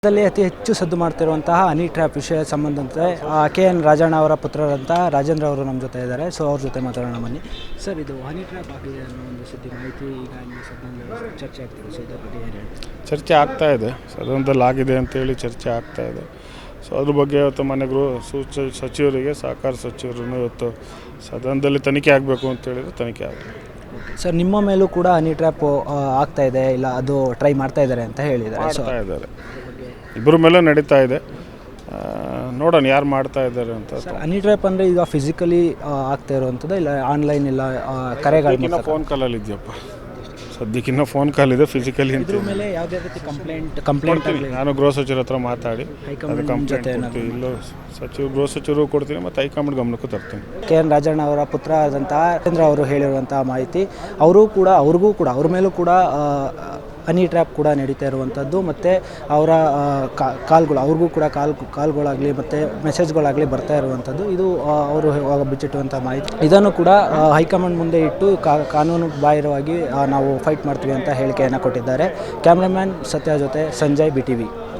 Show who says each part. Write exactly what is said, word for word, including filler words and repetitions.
Speaker 1: ದಲ್ಲಿ ಅತಿ ಹೆಚ್ಚು ಸದ್ದು ಮಾಡ್ತಿರುವಂತಹ ಹನಿ ಟ್ರ್ಯಾಪ್ ವಿಷಯ ಸಂಬಂಧಂತೆ ಕೆ ಎನ್ ರಾಜಣ್ಣ ಅವರ ಪುತ್ರರಂತಹ ರಾಜೇಂದ್ರ ಅವರು ನಮ್ಮ ಜೊತೆ ಇದ್ದಾರೆ. ಸೊ ಅವ್ರ ಜೊತೆ ಮಾತಾಡೋಣ ಬನ್ನಿ. ಸರ್, ಇದು ಹನಿ ಟ್ರ್ಯಾಪ್ ಆಗಿದೆ ಅನ್ನೋ ಒಂದು ಸುದ್ದಿ ಮಾಹಿತಿ ಈಗ ಇಲ್ಲಿ ಸದನದಲ್ಲಿ ಚರ್ಚೆ ಆಗ್ತಿದೆ. ಸೊ ಇದ್ರ ಬಗ್ಗೆ ಏನು ಹೇಳಿ?
Speaker 2: ಚರ್ಚೆ ಆಗ್ತಾ ಇದೆ, ಸದನದಲ್ಲಿ ಆಗಿದೆ ಅಂತೇಳಿ ಚರ್ಚೆ ಆಗ್ತಾ ಇದೆ. ಸೊ ಅದ್ರ ಬಗ್ಗೆ ಇವತ್ತು ಮನೆ ಗೃಹ ಸೂಚ ಸಚಿವರಿಗೆ ಸಹಕಾರ ಸಚಿವರನ್ನು ಇವತ್ತು ಸದನದಲ್ಲಿ ತನಿಖೆ ಆಗಬೇಕು ಅಂತೇಳಿದ್ರೆ ತನಿಖೆ ಆಗಬೇಕು.
Speaker 1: ಸರ್, ನಿಮ್ಮ ಮೇಲೂ ಕೂಡ ಹನಿ ಟ್ರ್ಯಾಪ್ ಆಗ್ತಾ ಇದೆ, ಇಲ್ಲ ಅದು ಟ್ರೈ ಮಾಡ್ತಾ ಇದ್ದಾರೆ ಅಂತ ಹೇಳಿದ್ದಾರೆ.
Speaker 2: ಮಾಡ್ತಾ ಇದ್ದಾರೆ, ಇಬ್ಬರ ಮೇಲೆ ನಡೀತಾ ಇದೆ. ನೋಡೋಣ ಯಾರು ಮಾಡ್ತಾ ಇದ್ದಾರೆ ಅಂತ.
Speaker 1: ಸರ್, ಹನಿ ಟ್ರ್ಯಾಪ್ ಅಂದರೆ ಈಗ ಫಿಸಿಕಲಿ ಆಗ್ತಾ ಇರುವಂಥದ್ದು, ಇಲ್ಲ ಆನ್ಲೈನ್, ಇಲ್ಲ ಕರೆಗಳು?
Speaker 2: ಫೋನ್ ಕಾಲಲ್ಲಿ ಇದೆಯಪ್ಪ, ಸದ್ಯಕ್ಕಿನ್ನ ಫೋನ್ ಕಾಲ್ ಇದೆ. ಫಿಸಿಕಲಿ
Speaker 1: ಇದ್ರ ಮೇಲೆ ಯಾವುದೇ ರೀತಿ ಕಂಪ್ಲೇಂಟ್ ಕಂಪ್ಲೇಂಟ್
Speaker 2: ನಾನು ಗೃಹ ಸಚಿವರ ಹತ್ರ ಮಾತಾಡಿ
Speaker 1: ಹೈಕಮಾಂಡ್
Speaker 2: ಕಂಪ್ಲೇಂಟ್ ಕೊಡ್ತೀನಿ. ಇಲ್ಲೋ ಸಚಿವ ಗೃಹ ಸಚಿವರು ಕೊಡ್ತೀನಿ ಮತ್ತು ಹೈಕಮಾಂಡ್ ಗಮನಕ್ಕೂ ತರ್ತೀನಿ.
Speaker 1: ಕೆ ಎನ್ ರಾಜಣ್ಣ ಅವರ ಪುತ್ರ ಆದಂತಹ ರಾಜೇಂದ್ರ ಅವರು ಹೇಳಿರುವಂತಹ ಮಾಹಿತಿ, ಅವರು ಕೂಡ ಅವ್ರಿಗೂ ಕೂಡ ಅವ್ರ ಮೇಲೂ ಕೂಡ ಹನಿ ಟ್ರ್ಯಾಪ್ ಕೂಡ ನಡೀತಾ ಇರುವಂಥದ್ದು, ಮತ್ತು ಅವರ ಕಾಲ್ಗಳು ಅವ್ರಿಗೂ ಕೂಡ ಕಾಲ್ ಕಾಲ್ಗಳಾಗಲಿ ಮತ್ತು ಮೆಸೇಜ್ಗಳಾಗಲಿ ಬರ್ತಾ ಇರುವಂಥದ್ದು, ಇದು ಅವರು ಬಿಚ್ಚಿಟ್ಟುವಂಥ ಮಾಹಿತಿ. ಇದನ್ನು ಕೂಡ ಹೈಕಮಾಂಡ್ ಮುಂದೆ ಇಟ್ಟು ಕಾನೂನು ಬಾಹಿರವಾಗಿ ನಾವು ಫೈಟ್ ಮಾಡ್ತೀವಿ ಅಂತ ಹೇಳಿಕೆಯನ್ನು ಕೊಟ್ಟಿದ್ದಾರೆ. ಕ್ಯಾಮ್ರಾಮ್ಯಾನ್ ಸತ್ಯ ಜೊತೆ ಸಂಜಯ್, ಬಿ ಟಿ ವಿ.